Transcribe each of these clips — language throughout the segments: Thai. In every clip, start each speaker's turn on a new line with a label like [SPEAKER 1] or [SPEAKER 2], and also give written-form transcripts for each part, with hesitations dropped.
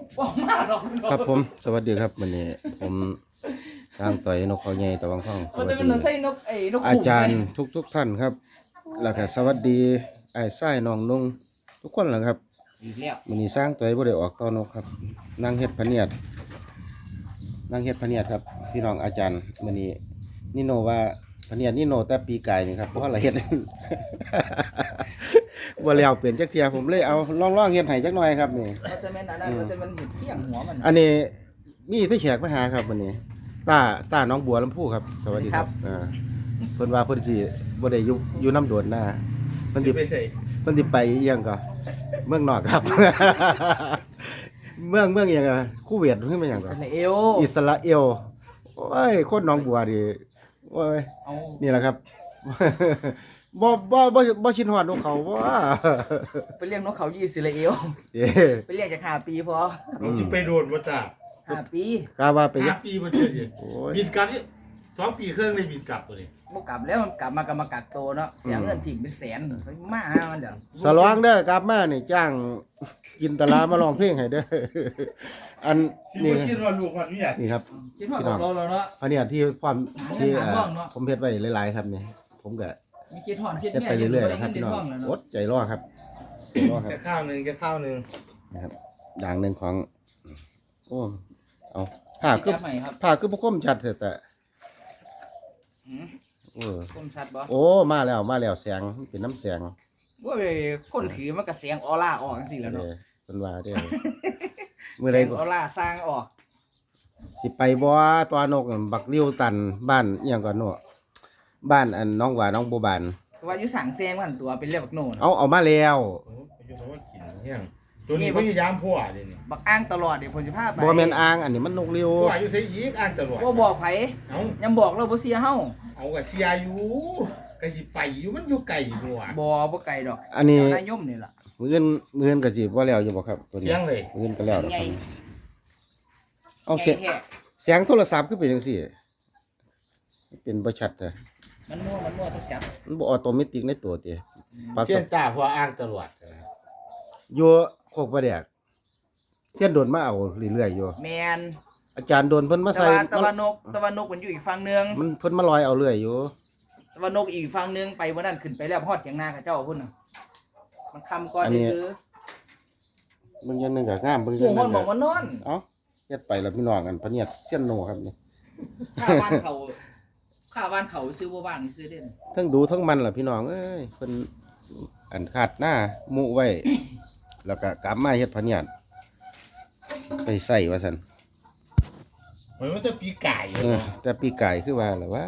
[SPEAKER 1] บอกมาหรอก
[SPEAKER 2] ครับผมสวัสดีครับวันนี้ผมสร้างต่อยนกเขาใหญ่ตะวังท่องส
[SPEAKER 1] มัน
[SPEAKER 2] วัส
[SPEAKER 1] จะเป็น
[SPEAKER 2] ดี
[SPEAKER 1] นกไส้นกนก
[SPEAKER 2] อา
[SPEAKER 1] ขุ่น
[SPEAKER 2] จารย์ทุกท่านครับแล้วก็สวัสดีไอ้ไส้น้องนุ่งทุกคนแหละครับ
[SPEAKER 1] อีกแล้ว
[SPEAKER 2] วันนี้สร้างต่อยบ่ได้ออกตอนกครับนั่งเฮ็ดพะเนียดครับพี่น้องอาจารย์วันนี้นี่โนว่าพะเนียดนี่โนแต่ปีกายนี่ครับเพราะอะไรเฮ็ด บ่แล้วเปลี่ยนจักเที่ยผมเลยเอาลองเฮ็ดให้จักหน่อยครับนี่
[SPEAKER 1] มันจะเป็นอะไรมันจะเป็นเห็ดเฟี้ยงหัวมัน
[SPEAKER 2] อันนี้มีพี่แขกมาหาครับวันนี้ตาน้องบัวลำพูครับสวัสดีครับเพิ่นว่าเพิ่นสิบ่ได้อยู่น้ำโดนหน้าเพิ่นสิไปอีหยังก็เมืองนอกครับ เมืองอีหยังอ่ะคูเวตขึ้นมาหยังก็
[SPEAKER 1] อิสราเอล
[SPEAKER 2] อิสราเอลโอ้ยคนหน้องบัวดิโอ้ย
[SPEAKER 1] เอา
[SPEAKER 2] นี่แหละครับ บ่ชินฮอดนกเขาบ่
[SPEAKER 1] ไปเลี้ยงนกเขาอิสราเอล
[SPEAKER 2] เอ้
[SPEAKER 1] ไปเลี้ยงจาก5 ปีพอ
[SPEAKER 3] เราสิไปโดนมาจาก
[SPEAKER 1] 5 ปี
[SPEAKER 2] กาว่าไป
[SPEAKER 3] 5 ปีมันเจอสิ
[SPEAKER 2] โอ้ย
[SPEAKER 3] บินกลับนี่2 ปีครึ่งเลยบินกลับตัวนี้
[SPEAKER 1] บ่กลับแล้วมันกลับมากำกักโตเนาะเสียเงินถิ่มเป็นแสนไปมาหามันเดี๋ยว
[SPEAKER 2] สลองเด้อกลับมานี่จ้างกินตลามาร้องเพลงให้เด้อ อัน
[SPEAKER 3] สิ
[SPEAKER 2] นี่
[SPEAKER 3] บ่คิดว่าลูกมันเนี่ย
[SPEAKER 2] นี่ครับ
[SPEAKER 1] คิดว่าของเราเนาะ
[SPEAKER 2] อันเนี้ยที่ความที่
[SPEAKER 1] หาห้องเนาะ
[SPEAKER 2] ผมเฮ็ดไว้หลายๆครับนี่ผมก็
[SPEAKER 1] มีคิดห่อนคิด
[SPEAKER 2] เฮ็ด
[SPEAKER 1] แม่
[SPEAKER 2] ไปเรื่อยๆครับ
[SPEAKER 1] เงิ
[SPEAKER 2] พี่
[SPEAKER 1] น
[SPEAKER 2] น้อง
[SPEAKER 1] ห้องแล้ว
[SPEAKER 2] อ
[SPEAKER 1] เนาะ
[SPEAKER 2] ดใจรอครับใจรอครับ
[SPEAKER 3] แค่ข้าวหนึง
[SPEAKER 2] นะครับอย่างหนึ่งของโอ้เอาผ้า
[SPEAKER 1] จั
[SPEAKER 2] คือ
[SPEAKER 1] บใหม่ครับ
[SPEAKER 2] ผ้าคือบ่คมชัดแต่
[SPEAKER 1] หืม
[SPEAKER 2] เออ
[SPEAKER 1] คมชัดบ่
[SPEAKER 2] โอ้มาแล้วแสงเป็นน้ำแสง
[SPEAKER 1] ว่าเลยคนถือมันก็เสียงออร่าออกจังซี่แหล้วเนาะ
[SPEAKER 2] เพิ่นว่าเด้อมื้อใด
[SPEAKER 1] เสียง
[SPEAKER 2] ก็
[SPEAKER 1] ออร่าสร้างออก
[SPEAKER 2] สิไปบ่ตัวนกนั่นบักริ้วตันบ้านอีหยังก่อนเนาะบ้านอันน้องหว่าน้องบัวบาน
[SPEAKER 1] ว่าอยู่สั่งเสียงมันตัวเป็นเรียกบักโน่น
[SPEAKER 2] เอามาแล้ว
[SPEAKER 3] โอ้ยอยู่คำว่ากินเฮียงตัวนี้พยายามพัวเด้นี่
[SPEAKER 1] บักอ้างตลอดเดี๋ยวผมจะพาไป
[SPEAKER 2] บ่แม่นอ่างอันนี้มันนกริ้ว
[SPEAKER 3] พัวอยู่ไสอีกอ่านตลอด
[SPEAKER 1] ว่าบอกไผ
[SPEAKER 3] เอา
[SPEAKER 1] ยังบอกเราบ่เสียเฮา
[SPEAKER 3] เอาก็เสียอยู่ก็สิไปอยู่มันอยู่ไกลอยู่ว่ะ
[SPEAKER 1] บ่ไกลดอก
[SPEAKER 2] อันนี้
[SPEAKER 1] นายยมนี่ล่ะ
[SPEAKER 2] มื้ออนก็สิบ่แล้วอยู่บ่ครับตัวนี้
[SPEAKER 3] เสียงเลย
[SPEAKER 2] มื้ออนก็แล้ว
[SPEAKER 1] ใหญ่
[SPEAKER 2] เอาเสียง
[SPEAKER 1] ใหญ่แท้
[SPEAKER 2] เสียงโทรศัพท์คือเป็นจังซี่เป็นบ่ชัดแต่
[SPEAKER 1] มันมั่วทุกจับ
[SPEAKER 2] มันบ่ออโตเมติกในตัวติปรับ
[SPEAKER 3] เสียงตาพัวอ่านตลอด
[SPEAKER 2] อยู่โคกประแดกเสียนโดนมาเอาเรื่อยๆอยู่
[SPEAKER 1] แมน
[SPEAKER 2] อาจารย์โดนเพิ่นมา
[SPEAKER 1] ตะ
[SPEAKER 2] ใส่
[SPEAKER 1] วันตะวันนกมันอยู่อีกฝั่งนึง
[SPEAKER 2] มันเพิ่นมาลอยเอาเรื่อยอยู่
[SPEAKER 1] ตะวันนกอีกฝั่งนึงไปบ่นั้นขึ้นไปแล้วฮอดเถียงนากับเจ้าพุ่นน่ะมันคำก่อนซื้อ
[SPEAKER 2] เบิ่งอย่างหนึงก็งามเบิ่งอ
[SPEAKER 1] หั
[SPEAKER 2] ย่าว งห
[SPEAKER 1] มั
[SPEAKER 2] นึ
[SPEAKER 1] น
[SPEAKER 2] ง
[SPEAKER 1] บ
[SPEAKER 2] ก็
[SPEAKER 1] อกว่านอน
[SPEAKER 2] เอ้าเฮ็ดไปแล้วพี่น้องกันพะเนียดเสียนโนครับนี่
[SPEAKER 1] ข้าบ้านเขาซื้อบ่ว่างนี่ซื้อเด่น
[SPEAKER 2] ทั้งดูทั้งมันล่ะพี่น้องเอ้ยเพิ่นอันขาดหน้าหมู่ไว้ แล้วก็กลับมาเฮ็ดพะเนียดไปใส่ว่าซั่น
[SPEAKER 3] เหมือนมันจะปีไก่อยู่
[SPEAKER 2] เออ
[SPEAKER 3] เนาะ
[SPEAKER 2] แต่ปีกายคือว่าล่ะว่า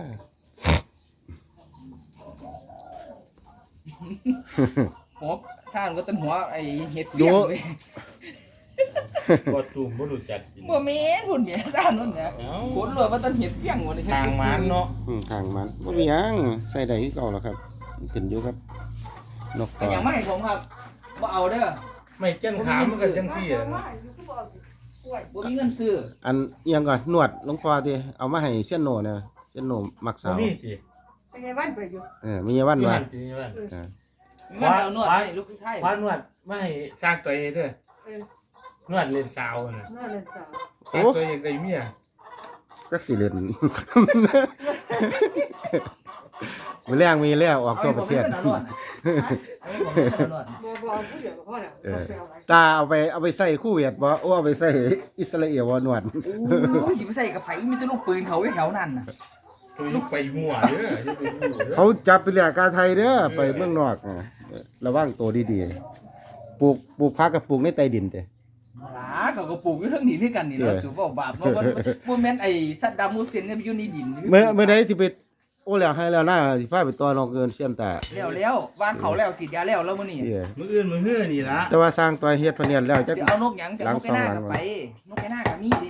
[SPEAKER 1] หัวซ่านก็ต้นหัวไอ้เฮ็ดเฟี้ยงเว้ย
[SPEAKER 3] บ่ตุ่มบ่รู้จักกิน
[SPEAKER 1] บ่แม่นพุ่นแม่ซ่านนั่นแหละ
[SPEAKER 3] เอ้า
[SPEAKER 1] ขนรวยว่าต้นเฮ็ดเฟี้ยงบ่ได้เฮ็ด
[SPEAKER 3] ทางมันเนาะ
[SPEAKER 2] ทางมันบ่มีหยังใส่ได้คือเก่าแล้วครับมันขึ้นอยู่ครับนก
[SPEAKER 1] แต่
[SPEAKER 2] ต่อ
[SPEAKER 1] ยังไม่ให้ผมครับบ่เอาเด้อ
[SPEAKER 3] ไม่แก้นขามมันก็จังซี่อะ
[SPEAKER 1] บ่มีเงินซื้อ
[SPEAKER 2] อันเอียงก่อนนวดหลวงพ่อที่เอามาให้เสียนโนเนี่ยเสียนโนมัก
[SPEAKER 3] บ่
[SPEAKER 2] สาว
[SPEAKER 3] มีติ
[SPEAKER 4] เป็นไงบ้านไปอยู่
[SPEAKER 2] มีวัน
[SPEAKER 3] อยู่
[SPEAKER 2] ว่า
[SPEAKER 3] หั่นติว่า
[SPEAKER 2] เออ
[SPEAKER 1] เงินเอานวดให้ลูกชาย
[SPEAKER 3] ควานวดไม่ให้สร้างตัวเองเด้อ
[SPEAKER 4] เออน
[SPEAKER 3] วดเล่นสาวน่ะ
[SPEAKER 4] นอนเล่นสาว
[SPEAKER 3] สร้างตัวเองได้เมีย
[SPEAKER 2] ก็สิเล่น มีแรงมีแล้วออกตัวประเทศ
[SPEAKER 1] เอาให้ผมเงินเอานวดเอาให้ผมเงินเอานวด
[SPEAKER 4] บ่ผู้เดียวกับพ่อแล้ว
[SPEAKER 2] เออ
[SPEAKER 4] ไปเอาไว้
[SPEAKER 2] ตาเอาไปใส่คู่เวียดบ่โอ้เอาไปใส่อิสราเอลบ่นวด
[SPEAKER 1] โอ้ยสิไปใส่กับไผมีแต่ลูกปืนเขาอยู่แถวนั้นน่ะ
[SPEAKER 3] ตัวนี้ไปมั่วเด้ออย่าไปมั่วเด้อ
[SPEAKER 2] เขาจับไปเรียกการไทยเด้อไปเมืองนอกระวังตัวดีๆปลูกผักกับปลูกในใต้ดินเด้
[SPEAKER 1] หลาเขาก็ปลูกอยู่เทั้งนี้คือกันนี่เนาะสูบ่บาปบ่แม่นไอ้ซัดดัมฮูเซนเนี่ยอยู่ในดิน
[SPEAKER 2] เมื่อใดสิไปโอ้แล้วให้แล้วนะสิพาไปตัวนอกเกินเสียมตา
[SPEAKER 1] แล้วบ้านเขาแล้วฉีดยาแล้วมื้อนี้
[SPEAKER 2] เอ้ย
[SPEAKER 3] มื้ออื่นมื้อฮื้อนี่ล่ะ
[SPEAKER 2] แต่ว่าสร้างตัวเฮ็ดพะเนียดแล้วจัก
[SPEAKER 1] สิเอานกหยังจะเอานกแค่หน้าก็ไปนกแค่หน้าก็มีดิ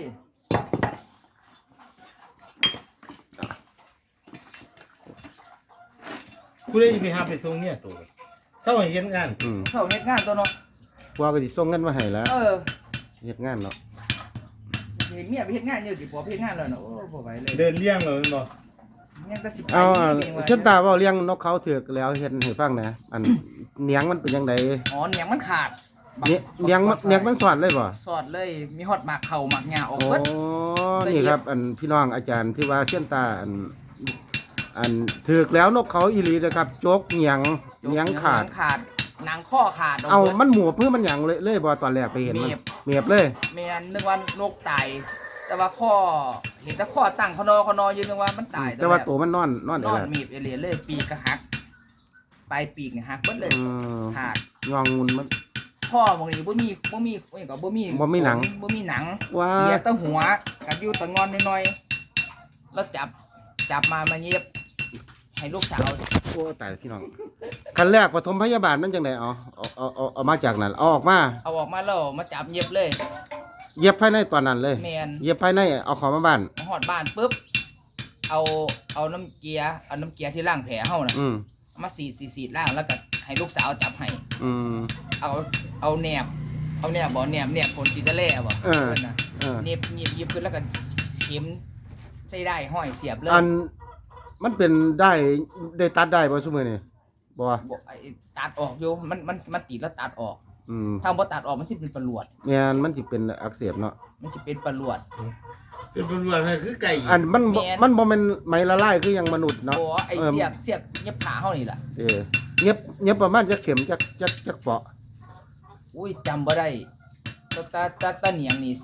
[SPEAKER 3] ผู้ใดสิไปหาไปส่งเนี่ยตัวเช้าให้เฮ็ดงาน
[SPEAKER 1] เขาเฮ็ดงานตัวเนาะ
[SPEAKER 2] พวกก็สิส่งเงินมาให้แล้ว
[SPEAKER 1] เออ
[SPEAKER 2] เฮ็ดงานเนาะ
[SPEAKER 1] เห็นเมียไปเฮ็ดงานเยอะสิผัวไปเฮ็ดงานแล้วเนาะโอ้บ่ไหวเลย
[SPEAKER 3] เดินเลี้ยงแล้วแม่นบ่
[SPEAKER 1] ยังแต่สิไป
[SPEAKER 2] เอา
[SPEAKER 1] เองว่ะ
[SPEAKER 2] เส้นตาเว้าเลี้ยงนกเขาเถือกแล้วเฮ็ดให้ฟังนะอันเนียงมันเป็นจังได
[SPEAKER 1] อ๋อเนี่ยมันขาด
[SPEAKER 2] เนี่ยเลี้ยงมันสอนเลยบ่
[SPEAKER 1] สอดเลยมีฮอดหมากเข่าหมากหญ้าออก
[SPEAKER 2] โอ้
[SPEAKER 1] เบิด
[SPEAKER 2] นี่ครับ อันพี่น้องอาจารย์ที่ว่าเส้นตาอันถึกแล้วนกเขาอีหลีนะครับโจกเหยียงขาด
[SPEAKER 1] หนังข้อขาด
[SPEAKER 2] เอา
[SPEAKER 1] บิด
[SPEAKER 2] มันหมวบเพื่อมันหยังเลยบ่ตอนแรกไปเห็นมันเมียบเลย
[SPEAKER 1] แม่นนึกว่านกตายแต่ว่าข้อเห็นแต่ข้อตั้งคอนอยืนนึกว่ามันตาย
[SPEAKER 2] แต่ว่าตัวมันนอน
[SPEAKER 1] น
[SPEAKER 2] ได้
[SPEAKER 1] อน
[SPEAKER 2] แล้ว
[SPEAKER 1] มีบเอเลียเลยปีกก็หักปลายปีกเนี่ยหักเบิดเลย
[SPEAKER 2] อืม
[SPEAKER 1] ขาด
[SPEAKER 2] งองงุนมัน
[SPEAKER 1] ข้อบางทีบ่มีว่าอย่างก็บ่มี
[SPEAKER 2] บ่มีหนัง
[SPEAKER 1] บ่มีหนัง
[SPEAKER 2] ว่า
[SPEAKER 1] เหลียแตะหัวกับอยู่แตะงอนน้อยๆแล้วจับมาเย็บให้ลูกสาว
[SPEAKER 2] โอ้ตายพี่น้องคันแรกปฐมพยาบาลมันจังได๋เอามาจากนั้นเอาออกมา
[SPEAKER 1] เอาออกมาแล้วมาจับเย็บเลย
[SPEAKER 2] เย็บภายในตอนนั้นเลย
[SPEAKER 1] แมน
[SPEAKER 2] เย็บภายในเอาของมาบ้าน
[SPEAKER 1] หอดบ้านปุ๊บเอาน้ำเกียร์ที่ล้างแผลเฮาน่ะ
[SPEAKER 2] อืม
[SPEAKER 1] เอามาสีดล้างแล้วก็ให้ลูกสาวจับให้
[SPEAKER 2] อืม
[SPEAKER 1] เอาแหนบบ่แหนบคนจิตะแล่บ่
[SPEAKER 2] เออ
[SPEAKER 1] พิ่นน่ะ
[SPEAKER 2] เออ
[SPEAKER 1] เย็บขึ้นแล้วก็เข็มใส่ได้ห้อยเสียบเลย
[SPEAKER 2] อันมันเป็นได้ตัดได้บ่ซุมื้อนี่บ่
[SPEAKER 1] บ่ไอ้ตัดออกอยู่มันติดแล้วตัดออก
[SPEAKER 2] อืม
[SPEAKER 1] ถ้าบ่ตัดออกมันสิเป็นประหลวด
[SPEAKER 2] แม่นมันสิเป็นอักเสบเนาะ
[SPEAKER 1] มันสิเป็นประหลวด
[SPEAKER 3] เป็นตำรวจเลยคือไก่
[SPEAKER 2] อันมันบ่
[SPEAKER 1] แม่น
[SPEAKER 2] มันบ่แม่นไหมละลายคือหยังมนุษย์เนาะ
[SPEAKER 1] โอ้ไอ้เสียกเย็บขาเฮานี่ล่ะ
[SPEAKER 2] เย็บประมาณจักเข็มจักเปาะ
[SPEAKER 1] อุ้ยจำบ่ได้ตาเหนียงนี่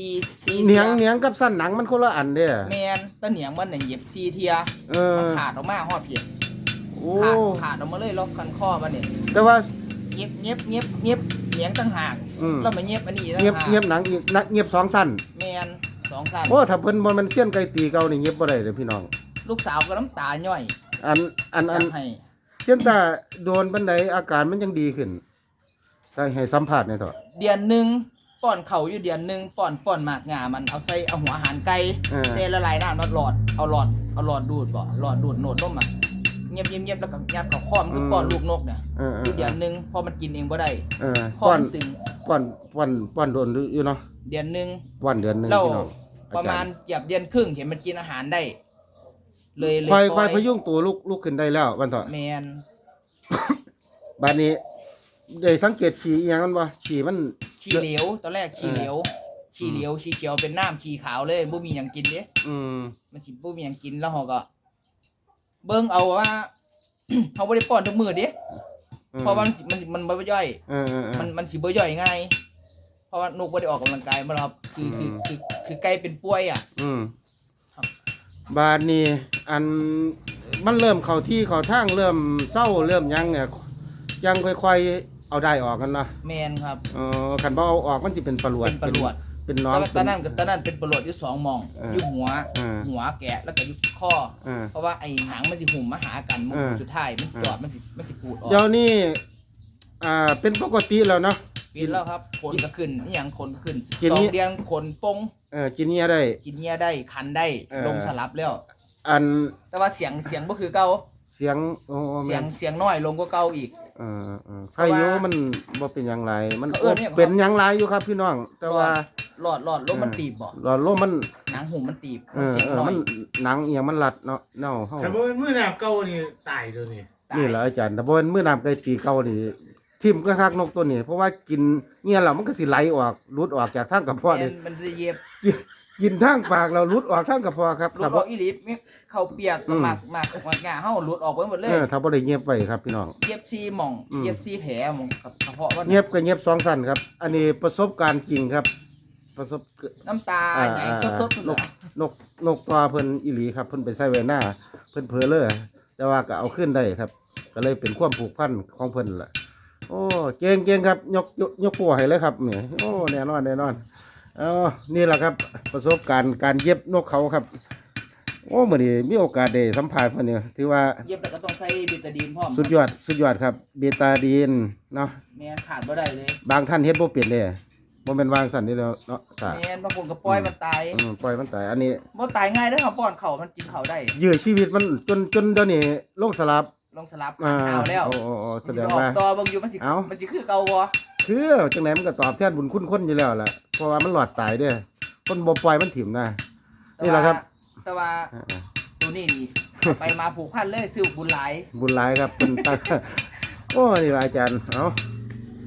[SPEAKER 1] 4
[SPEAKER 2] เหนียงกับสั้นหนังมันคนละอันเด้อ
[SPEAKER 1] แม่นตาเหนียงมันน่ะเย็บ4เที่ย
[SPEAKER 2] เออ
[SPEAKER 1] มันขาดออกมาฮอดเพียง
[SPEAKER 2] โอ้
[SPEAKER 1] ขาดออกมาเลยรอบคันข้อมันนี่
[SPEAKER 2] แต่ว่า
[SPEAKER 1] เย็บเหนียงต่างหาก
[SPEAKER 2] อืม
[SPEAKER 1] แล้วมาเย็บอันนี้ต่าง
[SPEAKER 2] เงียบ
[SPEAKER 1] หาก
[SPEAKER 2] เงียบหนังอีกเงียบสองสั้น
[SPEAKER 1] แม่น2สั้น
[SPEAKER 2] โอ้ถ้าเพิ่นบ่แม่นเสี้ยนไก่ตีเก่านี่เงียบบ่ได้เด้อพี่น้อง
[SPEAKER 1] ลูกสาวก็น้ำตาย่อย
[SPEAKER 2] อัน
[SPEAKER 1] จับให้
[SPEAKER 2] เสี้ยนตาโดนปานใดอาการมันยังดีขึ้นถ้าให้สัมภาษณ์หน่อยเถอะ
[SPEAKER 1] เดือนหนึงป้อนเข่าอยู่เดือนหนึงป้อนหมากงามันเอาใส่เอาหัวอาหารไก่
[SPEAKER 2] เออ
[SPEAKER 1] เทละลายน้ำแล้วเอาหลอดดูดบ่หลอดดูดโหนดนมอ่ะเงียบแล้วก็ยัดเข้าคอมันคือป้อนลูกนกเนี่ย
[SPEAKER 2] เออ
[SPEAKER 1] อยู่เดือนหนึงพอมันกินเองบ่ได้
[SPEAKER 2] เออ
[SPEAKER 1] คอ
[SPEAKER 2] ป้อน
[SPEAKER 1] มันตึง
[SPEAKER 2] ป้อนโดนอยู่เนาะ
[SPEAKER 1] เดือนหนึง
[SPEAKER 2] ป้อนเดือนหนึง
[SPEAKER 1] แล้ว
[SPEAKER 2] พี่น้อง
[SPEAKER 1] ประมาณเกือบเดือนครึ่งเห็นมันกินอาหารได้ เลย
[SPEAKER 2] ค่อย
[SPEAKER 1] ปล่
[SPEAKER 2] พยุงตัวลุกขึ้นได้แล้ววันเถอะ
[SPEAKER 1] แมน
[SPEAKER 2] บัดนี้ได้สังเกตฉี่อีหยังมันบ่ฉี่มัน
[SPEAKER 1] ขี้เหลวตอนแรกขี้เหลวขี้เขียวเป็นน้ำขี้ขาวเลยบ่มีหยังกินเด้
[SPEAKER 2] อืม
[SPEAKER 1] มันสิบ่มีหยังกินแล้วเฮาก็ เบิ่งเอาว่า เฮาบ่ได้ป้อนทุกมื้อเด้เพราะว่ามันบ่ย่อย
[SPEAKER 2] เออ
[SPEAKER 1] มันสิบ่ย่อยง่ายเพราะว่านกบ่ได้ออกกำลังกายมาแล้วครับคือไก่เป็นป่วยอ่ะ
[SPEAKER 2] อืม
[SPEAKER 1] ครับ
[SPEAKER 2] บาดนี้อันมันเริ่มเข้าที่เข้าทางเริ่มเศร้าเริ่มหยังเนี่ยยังค่อยๆเอาได้ออกกันเนาะ
[SPEAKER 1] แม่นครับ
[SPEAKER 2] คันบ่เอาออกมันสิเป็นปลวด
[SPEAKER 1] เป็นประหลวด
[SPEAKER 2] เป็นน้อง
[SPEAKER 1] แต่ว่าตอนนั้นเป็นประหลวดอยู่2หม่อง
[SPEAKER 2] เออ
[SPEAKER 1] อยู่หัว
[SPEAKER 2] เออ
[SPEAKER 1] หัวแกะแล้วก็อยู่ข้อ
[SPEAKER 2] เออ
[SPEAKER 1] เพราะว่าไอ้หนังมันสิหุ่มมาหากันมัน
[SPEAKER 2] เออ
[SPEAKER 1] สุดท้ายมันจอดมันสิปูดออก
[SPEAKER 2] เดี๋ยวนี้เป็นปกติแล้วเนาะ
[SPEAKER 1] ปิดแล้วครับขนก็ขึ้นนี่ยังขนก็ขึ้น
[SPEAKER 2] กิน
[SPEAKER 1] สอ
[SPEAKER 2] นี่
[SPEAKER 1] งเดือนขนปง
[SPEAKER 2] กินเนี้ยได้
[SPEAKER 1] กินเงี้ยได้คันได้
[SPEAKER 2] เออ
[SPEAKER 1] ลงสลับแล้ว
[SPEAKER 2] อัน
[SPEAKER 1] แต่ว่าเสียงบ่คือเก่า
[SPEAKER 2] เสียงโอ้
[SPEAKER 1] เสียงน้อยลงกว่าเก่าอีก
[SPEAKER 2] ใครอยู่มันบ่เป็นหยังไรมัน
[SPEAKER 1] เออเนี่ย
[SPEAKER 2] เป็นหยังไรอยู่ครับพี่น้อง แต่ว่า
[SPEAKER 1] หลอดลมมันตีบบ่
[SPEAKER 2] หลอดลมมัน
[SPEAKER 1] หนังหุ่มมันตีบเสียงน้อ
[SPEAKER 2] มั
[SPEAKER 1] ย
[SPEAKER 2] นหนังอีหยังมันรัดเนาะเน่าเฮา
[SPEAKER 3] แต่ว่าเป็นมือหนาบเก่านี่ตายตัวนี้
[SPEAKER 1] ตาย
[SPEAKER 2] นี่แหละอาจารย์แต่บ่เป็นมื้อน้ำไก่ตีเก่านี่ทิ่มก็คักนกตัวนี้เพราะว่ากินเงี้ยแล้วมันก็สิไหลออกหลุดออกจากทางกระเพาะ
[SPEAKER 1] แม่
[SPEAKER 2] นี่
[SPEAKER 1] นมันจะเย็บ
[SPEAKER 2] กินทางปากเราหลุดออกทางกระเพาะครับ
[SPEAKER 1] ลูก
[SPEAKER 2] ถ้า
[SPEAKER 1] บ
[SPEAKER 2] บ่
[SPEAKER 1] อกอีหลีมีเข้าเปียก
[SPEAKER 2] อืม
[SPEAKER 1] หมากงาเฮาหลุดออกไปหมดเลย
[SPEAKER 2] ถ้าบ่ได้เงียบไว้ครับพี่น้อง
[SPEAKER 1] เย็บซี่หม่อง
[SPEAKER 2] อืม
[SPEAKER 1] เย็บซี่แผลหม่องกับกระเพาะว่า
[SPEAKER 2] เงียบก็เงียบสองสั้นครับ อันนี้ประสบการณ์จริงครับ ประสบ
[SPEAKER 1] น้ำตาใหญ่สดๆ
[SPEAKER 2] นกนกตัวเพิ่นอีหลีครับเพิ่นไปใส่ไว้หน้าเพิ่นเผลอเลยแต่ว่าก็เอาขึ้นได้ครับ ก็เลยเป็นความผูกพันของเพิ่นล่ะโอ้เก่งครับยกปัวให้เลยครับนี่โอ้แน่นอนนี่แหละครับ ประสบการณ์การเย็บนกเขาครับ โอ้มื้อนี้มีโอกาสได้สัมภาษณ์เพิ่นเนี่ยถือว่า
[SPEAKER 1] เย็บแล้วก็ต้องใส่บิตาดีนพร้อม
[SPEAKER 2] สุดยอดครับเบตาดีนเนาะ
[SPEAKER 1] แม่นขาดบ่ได้เลย
[SPEAKER 2] บางท่านเฮ็ดบ่เป็นเลยบ่แม่นวางสั่นนี่แล้วเนาะค่ะ
[SPEAKER 1] แม่นบางคนก็ปล่อยมันตาย
[SPEAKER 2] ปล่อยมันตายอันนี้
[SPEAKER 1] บ่ตายง่ายเด้อครับป้อนเขามันกินเขาได้
[SPEAKER 2] ยื้อชีวิตมันจนเดี๋ยวนี้ลงสลับ
[SPEAKER 1] ลงสลับขันเท้าแล้ว
[SPEAKER 2] โอ้แส
[SPEAKER 1] มัน
[SPEAKER 2] ด
[SPEAKER 1] สิ
[SPEAKER 2] ง
[SPEAKER 1] ไปออ
[SPEAKER 2] ว่าก
[SPEAKER 1] ต่อเบิ่งอยู่มันสิ
[SPEAKER 2] เอ้า
[SPEAKER 1] มันสิคือเก่าบ่
[SPEAKER 2] คือจังไหนมันก็ตอบแทนบุญคุณคนอยู่แล้วล่ะเพราะว่ามันหลอดตายเด้อคนบ่ปล่อยมันถิ่มนะ นี่แหละครับ
[SPEAKER 1] แต่ว่าตัวนี้นี่เอาไปมาผูกพันเลยซื้อบุญหลาย
[SPEAKER 2] บุญหลายครับเป็น ตั้ง โอ้นี่ล่ะอาจารย์เอ้า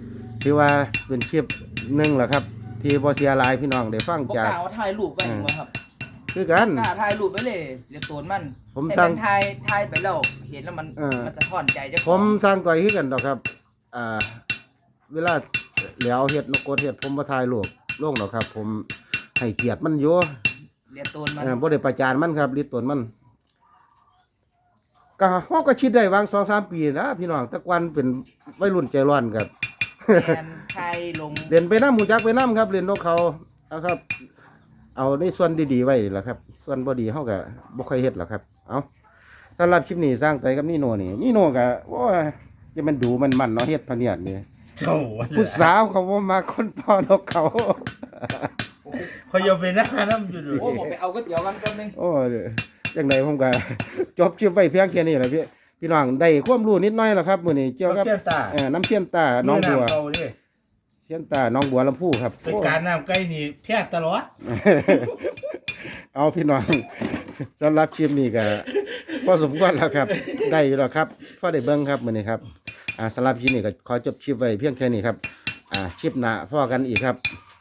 [SPEAKER 2] ถือว่าเป็นคลิปหนึงแหละครับ ที่บ่เสียหลายพี่น้องได้ฟัง
[SPEAKER 1] บ่
[SPEAKER 2] จาก
[SPEAKER 1] กล้าว่าถ่ายรูปไว้บ่ครับ
[SPEAKER 2] คือกัน
[SPEAKER 1] กล้าถ่ายรูปไว้เลยเรียกตัวมัน
[SPEAKER 2] ผม
[SPEAKER 1] ให้
[SPEAKER 2] สร้าง
[SPEAKER 1] นถ่ายไปแล้วเห็นแล้วมัน มันจะถอนใจเจ้าข
[SPEAKER 2] ผ
[SPEAKER 1] อง
[SPEAKER 2] มสร้างก่อยคือกันดอกครับ เวลาแล้วเฮ็ดนกกดเฮ็ดผมบ่ถ่ายรูปลงดอกครับ ผมให้เกียรติมันอยู่
[SPEAKER 1] เรียกตัวมัน
[SPEAKER 2] บ่ได้ประจานมันครับลิตนมันก็เฮาก็คิดได้วาง 2-3 ปีนะพี่น้องแต่ก่อนเป็นวัยรุ่นใจร้อนครับ
[SPEAKER 1] แทนถ่ายลง
[SPEAKER 2] เล่นไปน้ำหมูจักไปน้ำครับเล่นนกเขาเอาครับ เอาในส่วนดีๆไว้แหละครับ ส่วนบ่ดีเฮาก็บ่ค่อยเฮ็ดหรอกครับ เอาสำหรับคลิปนี้สร้างไตกับนี่โนนี่โนก็โอ้ยจะมันดูมันเนาะเฮ็ดพะเนียดนี่
[SPEAKER 3] โอ้
[SPEAKER 2] ผู้สาวเขาบ่มาคนพ่อนกเขา
[SPEAKER 3] เขาอย่าไปหน้าน้ำอยู่ดู
[SPEAKER 1] โอ้ผมไปเอาก๋วยเตี๋ยวกันแป๊บนึง
[SPEAKER 2] โอ้ยจังไดผมก็ จบคลิปไว้เพียงแค่นี้แหละพี่น้องได้ความรู้นิดหน่อยแล้วครับมื้อนี้เกี่ยวกับ
[SPEAKER 3] เสี้ยนตา
[SPEAKER 2] น้ำเชี่ยนตาน้องบัว
[SPEAKER 3] เขาดิ
[SPEAKER 2] เชี่ยนตาน้องบัวลำพูครับ
[SPEAKER 3] เป็นการน้ำใกล้นี่แพ้ตลอด
[SPEAKER 2] เอาพี่น้อง สำหรับคลิปนี้ก็พอสมควรแล้วครับ ได้อยู่แล้วครับพอได้เบิ่งครับมื้อนี้ครับสำหรับคลิปนี้ก็ขอจบคลิปไว้เพียงแค่นี้ครับคลิปหน้าพอกันอีกครับ